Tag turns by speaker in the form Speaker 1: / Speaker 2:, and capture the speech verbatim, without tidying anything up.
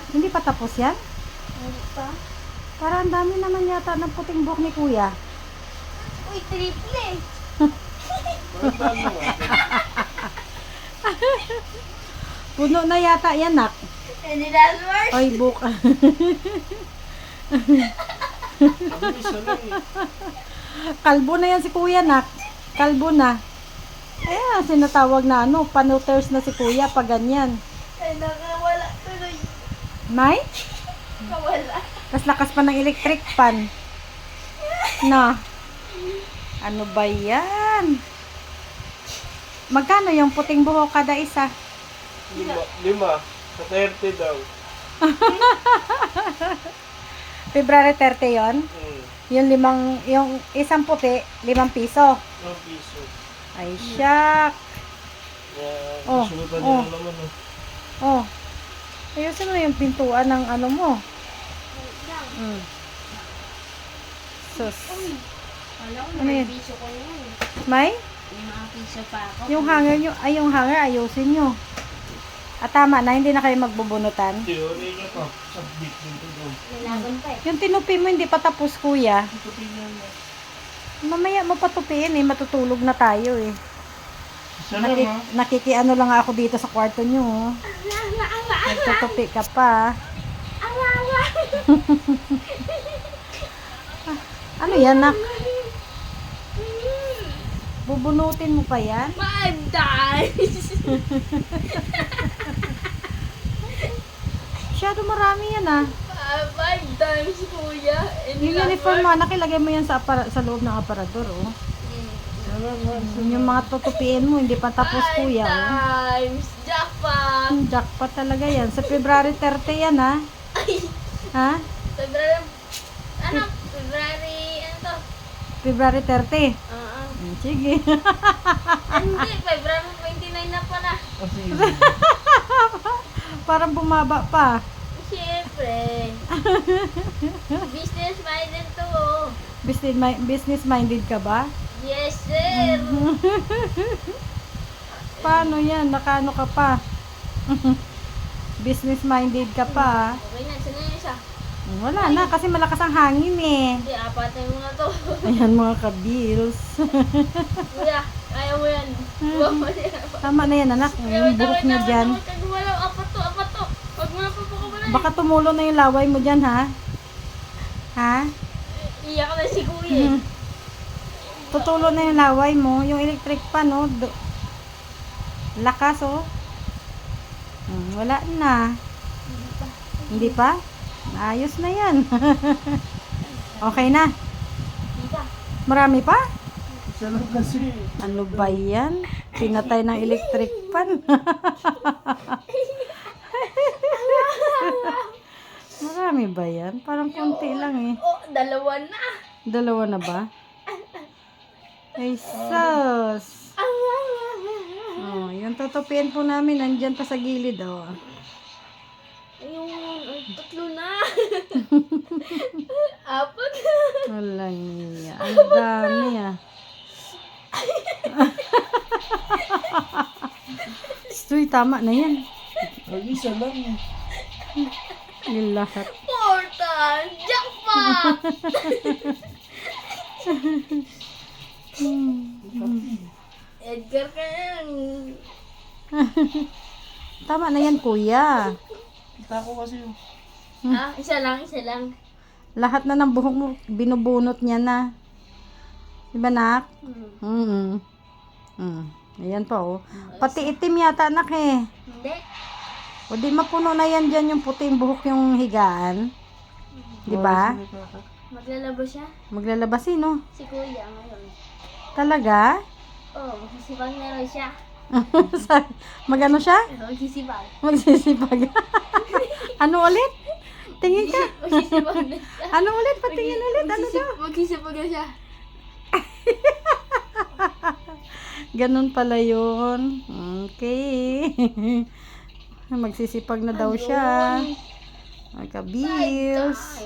Speaker 1: Hindi pa tapos yan?
Speaker 2: Hindi pa.
Speaker 1: Para ang dami naman yata ng puting buhok ni kuya.
Speaker 2: Uy, triple eh.
Speaker 1: Puno na yata yan, nak.
Speaker 2: Hindi na worse.
Speaker 1: Oy, buhok. Kalbo na yan si kuya, nak. Kalbo na. Eh, sinatawag na ano, panuters na si kuya pag ganyan.
Speaker 2: Ay, nakawala tuloy.
Speaker 1: May?
Speaker 2: Nakawala.
Speaker 1: Kas lakas pa ng electric fan. Na. Ano ba yan? Magkano yung puting buhok kada isa?
Speaker 3: Lima. Lima. Sa thirty daw.
Speaker 1: February thirty yon.
Speaker 3: Hmm.
Speaker 1: Yung limang, yung isang puti, limang piso.
Speaker 3: Ang piso.
Speaker 1: Ay, syak.
Speaker 3: Yan.
Speaker 1: Oh,
Speaker 3: Sunutan
Speaker 1: oh.
Speaker 3: niya naman oh.
Speaker 1: Oh. Ayusin mo yung pintuan ng ano mo. Mm. Sus.
Speaker 2: Alam ko,
Speaker 1: Ano
Speaker 2: may
Speaker 1: yun?
Speaker 2: piso ko yun.
Speaker 1: May?
Speaker 2: May mga piso pa ako.
Speaker 1: Yung hanger nyo, ay yung hanger, ayusin nyo. At tama na, hindi na kayo magbubunutan.
Speaker 3: Teori niya pa. Subject dito daw.
Speaker 2: May laban pa eh.
Speaker 1: Yung tinupi mo, hindi pa tapos, kuya.
Speaker 3: Ito tingnan mo.
Speaker 1: Mamaya mo patupiin eh, matutulog na tayo eh.
Speaker 3: Isa lang
Speaker 1: Nakik
Speaker 3: ha.
Speaker 1: nakikiano lang ako dito sa kwarto nyo. Oh. Nagtutupi ka pa. Ano yan, nak? Bubunutin mo pa yan?
Speaker 2: Five times!
Speaker 1: Masyado marami yan ah.
Speaker 2: Five, five times, kuya.
Speaker 1: Yung uniform mo, anak, ilagay mo yan sa, apara- sa loob ng aparador, oh. Yung mga tutupiin mo, hindi pa tapos, kuya, oh.
Speaker 2: times! Jackpot!
Speaker 1: Hmm, jackpot talaga yan. Sa February thirty yan, ha?
Speaker 2: Ay!
Speaker 1: Ha?
Speaker 2: February... Ano? February... Ano to?
Speaker 1: February thirty.
Speaker 2: Oo.
Speaker 1: Hmm, sige.
Speaker 2: Hindi, February twenty-nine na pala.
Speaker 3: Kasi
Speaker 1: Parang bumaba pa.
Speaker 2: Siyempre. Business minded to. Oh.
Speaker 1: Business, mi- business minded ka ba?
Speaker 2: Yes, sir.
Speaker 1: Paano yan? Nakano ka pa? Business minded ka pa, ha?
Speaker 2: Okay na, saan na yung isa?
Speaker 1: Wala na, kasi malakas ang hangin eh.
Speaker 2: Hindi, apatin mo na to.
Speaker 1: Ayan mga kabils.
Speaker 2: Kuya, kaya mo yan. Huwag mo yan.
Speaker 1: Tama na yan, anak. Yung buhok niya dyan.
Speaker 2: Wala, apat to, apat to. Huwag mo na papakabalay.
Speaker 1: Baka tumulo na yung laway mo dyan, ha? Ha?
Speaker 2: Iyak na si kuya. eh.
Speaker 1: Tutulo na yung laway mo. Yung electric pan, no? Do- Lakas, oh. Hmm, wala na. Hindi pa? Ayos na yan. Okay na.
Speaker 2: Hindi pa.
Speaker 1: Marami pa?
Speaker 3: isa lang kasi.
Speaker 1: Ano ba yan? Pinatay ng electric pan. Marami ba yan? Parang konti lang eh.
Speaker 2: Oh, dalawa na.
Speaker 1: Dalawa na ba? Ay, sus. Oh, yung tutupian po namin, nandyan pa sa gilid, oh.
Speaker 2: Ayun, ay, tatlo na. Apat.
Speaker 1: Wala niya. Ang dami, ah. Stoy, tama na yan.
Speaker 3: Ang isa lang.
Speaker 1: Yung lahat.
Speaker 2: Four times. Jackpot. Edgar ka yan.
Speaker 1: Tama na yan, kuya.
Speaker 3: Kita ko kasi yung
Speaker 2: Ah, isa lang, isa lang.
Speaker 1: Lahat na ng buhok mo, binubunot niya na. Diba, nak?
Speaker 2: Hmm.
Speaker 1: Mm. Mm. Ayan pa, oh. Pati itim yata, anak, eh.
Speaker 2: Hindi.
Speaker 1: O di mapuno na yan dyan yung puting buhok yung higaan. Di ba?
Speaker 2: Maglalaba siya.
Speaker 1: Maglalabas eh, no?
Speaker 2: Si kuya ngayon.
Speaker 1: Talaga?
Speaker 2: Oh, magsisipag na raw siya.
Speaker 1: Sa- Magano siya?
Speaker 2: Magsisipag.
Speaker 1: Magsisipag. Ano ulit? Tingin ka.
Speaker 2: Magsisipag na siya.
Speaker 1: Ano ulit? Patingin ulit. Ano daw?
Speaker 2: Magsisip- Magsisipag na siya.
Speaker 1: Ganun pala yun. Okay. Magsisipag na daw siya.
Speaker 2: Ayun.
Speaker 1: Magka-bills.